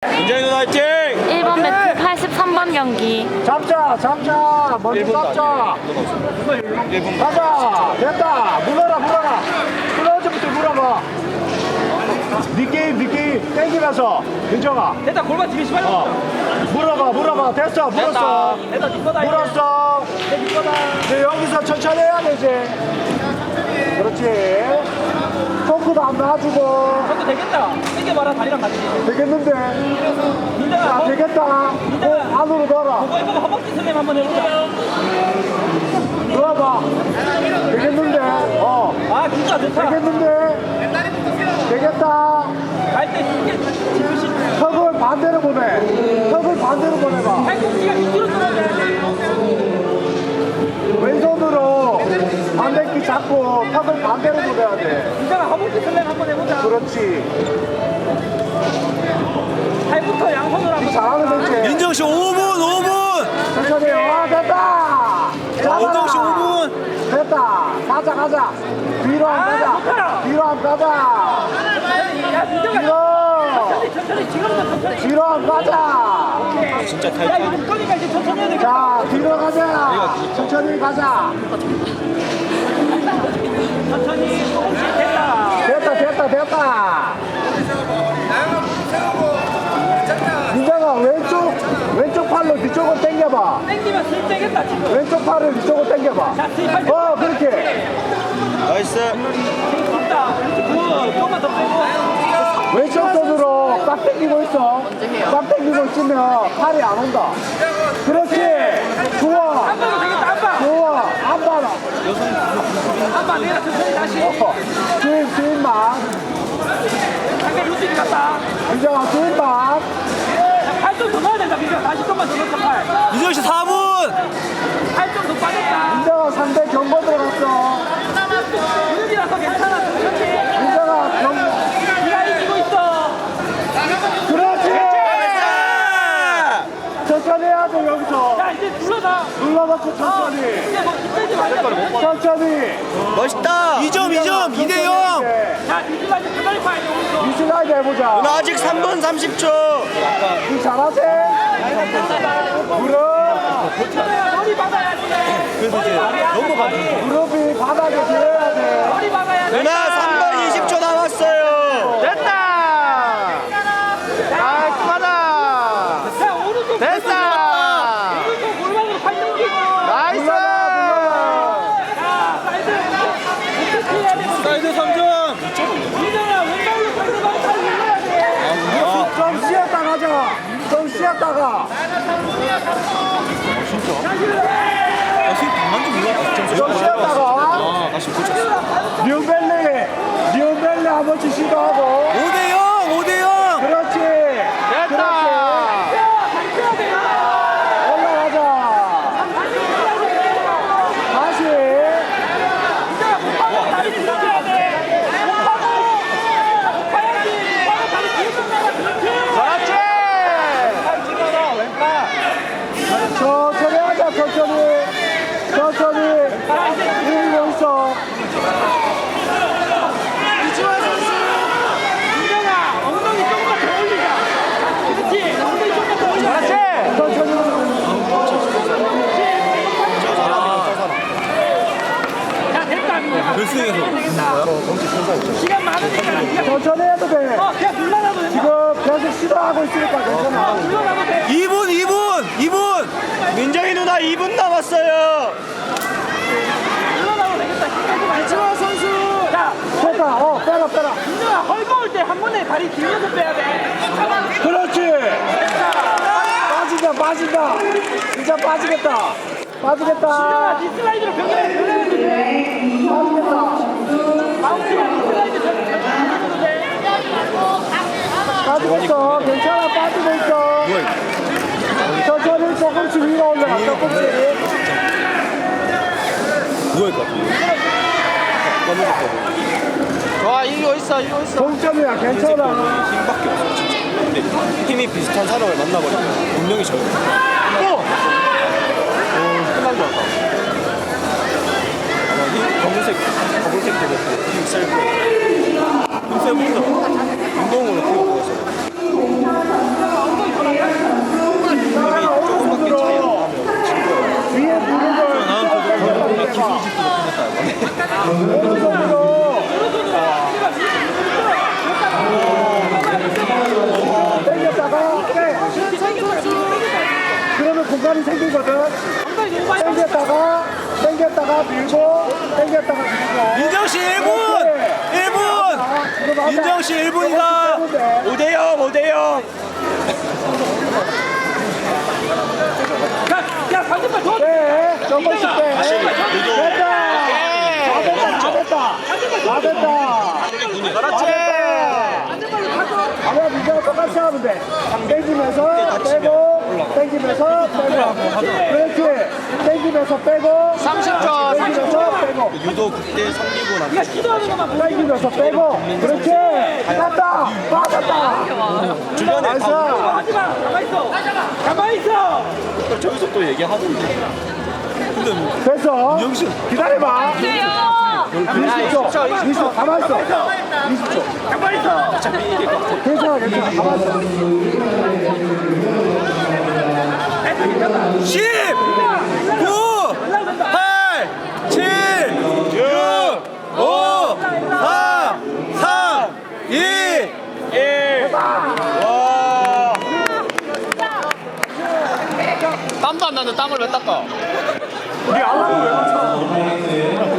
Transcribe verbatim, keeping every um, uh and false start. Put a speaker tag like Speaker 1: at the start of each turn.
Speaker 1: 민정이 누나 화이팅!
Speaker 2: 일 번 매트 팔십삼 번 경기.
Speaker 3: 잡자 잡자 먼저 잡자
Speaker 1: 일 분
Speaker 3: 가자 됐다 물어라 물어라 끊어지부터 물어봐 니 게임 니 게임 땡기면서 민정아
Speaker 4: 됐다. 골반 뒤에 시발.
Speaker 3: 어 물어봐 물어봐 됐어 물었어
Speaker 4: 됐다. 네 거다.
Speaker 3: 물었어
Speaker 4: 네 거다.
Speaker 3: 이제 여기서 천천히 해야 되지 그렇지 포크도 안 놔주고
Speaker 4: 저도 되겠다. 땡겨봐라. 다리랑 같이.
Speaker 3: 되겠는데
Speaker 4: 민정아.
Speaker 3: 자
Speaker 4: 어?
Speaker 3: 되겠다 꼭 안으로 넣어라
Speaker 4: 그거 해보고 허벅지 슬램 한번 해보자.
Speaker 3: 넣어봐 되겠는데 어
Speaker 4: 아 진짜 좋다.
Speaker 3: 되겠는데 되겠다
Speaker 4: 갈때 이게 지그시.
Speaker 3: 턱을 반대로 보내 턱을 반대로 보내봐
Speaker 4: 팔꿈치가 밑으로 떨어져야 돼.
Speaker 3: 왼손으로 반대끼 잡고 턱을 반대로 보내야 돼
Speaker 4: 민정아 허벅지 슬램 한번 해보자.
Speaker 3: 그렇지
Speaker 4: 팔부터 양손으로 한번.
Speaker 3: 잘하는 거지
Speaker 1: 민정씨 오 분 오 분!
Speaker 3: 천천히 와 됐다
Speaker 1: 민정씨 오
Speaker 3: 잡아라
Speaker 1: 분!
Speaker 3: 됐다 가자 가자 뒤로
Speaker 4: 아,
Speaker 3: 한 가자
Speaker 4: 좋다.
Speaker 3: 뒤로 한 가자
Speaker 4: 야 민정아.
Speaker 3: 뒤로
Speaker 4: 천천히 천천히 지금부터 천천히.
Speaker 3: 뒤로 한 가자
Speaker 1: 진짜
Speaker 4: 야
Speaker 1: 타이트.
Speaker 4: 이거 묶으니까 이제 천천히 해야 되겠다.
Speaker 3: 자 뒤로 가자 천천히 가자
Speaker 4: 천천히 조금씩 됐다.
Speaker 3: 됐다 됐다 됐다 민정아 왼쪽 왼쪽 팔로 뒤쪽으로 당겨봐
Speaker 4: 땡기면 슬 떼겠다 지금.
Speaker 3: 왼쪽 팔을 뒤쪽으로 당겨봐
Speaker 4: 자 스윗
Speaker 3: 어 그렇게
Speaker 1: 나이스.
Speaker 4: 됐다. 굿. 조금만 더 빼고.
Speaker 3: 왼쪽 손으로 꽉 당기고 있어 꽉 당기고 있으면 팔이 안 온다 그렇지 좋아
Speaker 4: 한 번도 되겠다. 한 번.
Speaker 3: 좋아 안 봐라
Speaker 4: 한 번 내가 천천히 다시.
Speaker 3: 어, 주인 주인만
Speaker 4: 상대 루틴 같다.
Speaker 3: 민정아 주인만
Speaker 4: 팔 좀 더 넣어야 된다. 민정 다시 좀만 더 넣자. 팔.
Speaker 1: 민정씨 사 분!
Speaker 4: 팔 좀 더 빠졌다.
Speaker 3: 민정아 상대 경고 들어갔어
Speaker 4: 무릎이라서 괜찮아. 천천히.
Speaker 3: 민정아 경
Speaker 4: 네가 이기고 있어.
Speaker 3: 그렇지 천천히 해야 돼 여기서
Speaker 4: 자 이제 눌러다.
Speaker 3: 눌러놓고 천천히
Speaker 4: 이제 뭐 힘들지 말자.
Speaker 3: 천천히
Speaker 1: 멋있다! 이 점 이 점 이 대 영!
Speaker 4: 자 뒤집어 이제 그다리 파야 돼. 오른쪽.
Speaker 3: 미실하게 해보자
Speaker 1: 누나 아직 삼 분 삼십 초!
Speaker 3: 이 잘하지? 무릎
Speaker 4: 괜찮아요. 머리 박아야지. 머리 박아야 돼. 머리.
Speaker 3: 무릎이 바닥에 들어야 돼
Speaker 4: 머리 박아야 돼.
Speaker 1: 누나 삼 분 이십 초 남았어요!
Speaker 3: 됐다 깔끔하다
Speaker 4: 자 오른쪽.
Speaker 3: 됐다
Speaker 4: 오른쪽 골반으로 팔 당기고.
Speaker 3: 나이스
Speaker 4: 자 사이드. 어떻게 해야 돼?
Speaker 1: 사이드 삼 점!
Speaker 4: 민정아 왼발로 상대방 팔 눌러야 돼.
Speaker 3: 좀 쉬었다 가자 좀 쉬었다가 좀 쉬었다가 뉴벨리 뉴벨리 한 번씩 시도하고
Speaker 1: 오 대 영! 오 대 영!
Speaker 3: 그렇지 됐다 올라가자 다시
Speaker 4: 다리 들어줘야 돼. 목하고 목하야지. 목하고 다리 뒤에 좀 나가. 그렇지.
Speaker 3: 그렇지 천천히 하자 천천히 천천히 이기고 있어
Speaker 4: 민정아 엉덩이 조금만 더 올리자. 그렇지. 엉덩이 조금만 더 올려. 그렇지. 자 됐다 민정아.
Speaker 1: 결승에서
Speaker 4: 시간 많으니까 그냥
Speaker 3: 천천히 해도 돼
Speaker 4: 어 그냥 눌러놔도 된다.
Speaker 3: 지금 계속 시도하고 있으니까 괜찮아
Speaker 4: 눌러놔도 돼.
Speaker 1: 이 분 이 분 이 분! 민정이 누나 이 분 남았어요!
Speaker 4: 눌러놔도 되겠다. 힘들지 말자. 이치마 선수. 자
Speaker 3: 됐다 어 빼라 빼라
Speaker 4: 민정아 헐거울 때 한 번에 다리 뒤에서 빼야 돼.
Speaker 3: 그렇지 빠진다 빠진다 진짜 빠지겠다 빠지겠다
Speaker 4: 민정아 디슬라이드로 병렬해 병렬해 돼.
Speaker 3: 빠지겠다
Speaker 4: 마우스가 디슬라이드 병렬해도 돼.
Speaker 3: 빠지겠어 괜찮아 빠지고 있어 천천히 조금씩 위로 올라가 조금씩
Speaker 1: 누워있을 것 같아. 와 이거 있어 이거 있어.
Speaker 3: 동점이야 괜찮아
Speaker 1: 힘밖에 없어 진짜. 근데 힘이 비슷한 사람을 만나버리면 운명이 져요. 어! 끝난 줄 알았다. 아마 힘 검은색 검은색 되고 힘셀 거예요. 힘세 보인다. 운동으로 키워보았어.
Speaker 3: 공간이 생기거든. 당겼다가 당겼다가 밀고 당겼다가 밀고.
Speaker 1: 민정 씨 일 분! 일 분! 민정 씨 일 분이다! 오 대 영, 오 대 영!
Speaker 4: 야 반대발 더
Speaker 3: 네, 조금씩 빼. 됐다. 다 됐다, 다 됐다. 다 됐다.
Speaker 1: 그렇지!
Speaker 3: 아마 민정은 똑같이 하면 돼. 땡기면서 빼고, 땡기면서 빼고. 그렇지. 땡기면서 빼고.
Speaker 4: 삼십 초,
Speaker 3: 땡기면서 빼고.
Speaker 1: 유도 국대 성기고 나
Speaker 4: 기도하는 것만
Speaker 3: 땡기면서 빼고. 그렇지. 맞다. 맞았다.
Speaker 1: 주변에
Speaker 3: 나이스.
Speaker 1: 다
Speaker 4: 하지마 가만 있어 가만 있어
Speaker 1: 저기서 또 얘기하던데. 근데 뭐
Speaker 3: 됐어.
Speaker 1: 영신
Speaker 3: 기다려봐. 이십 초. 이십 초. 가만 있어. 이십 초.
Speaker 4: 가만 있어
Speaker 1: 어차피 이길 것 같아.
Speaker 3: 괜찮아, 괜찮아. 가만 있어.
Speaker 1: 십, 구, 팔, 칠, 육, 오, 사, 삼, 이, 일. 와.
Speaker 4: 땀도 안 나는데 땀을 왜 닦아
Speaker 3: 우리 안 하고 왜 맞춰?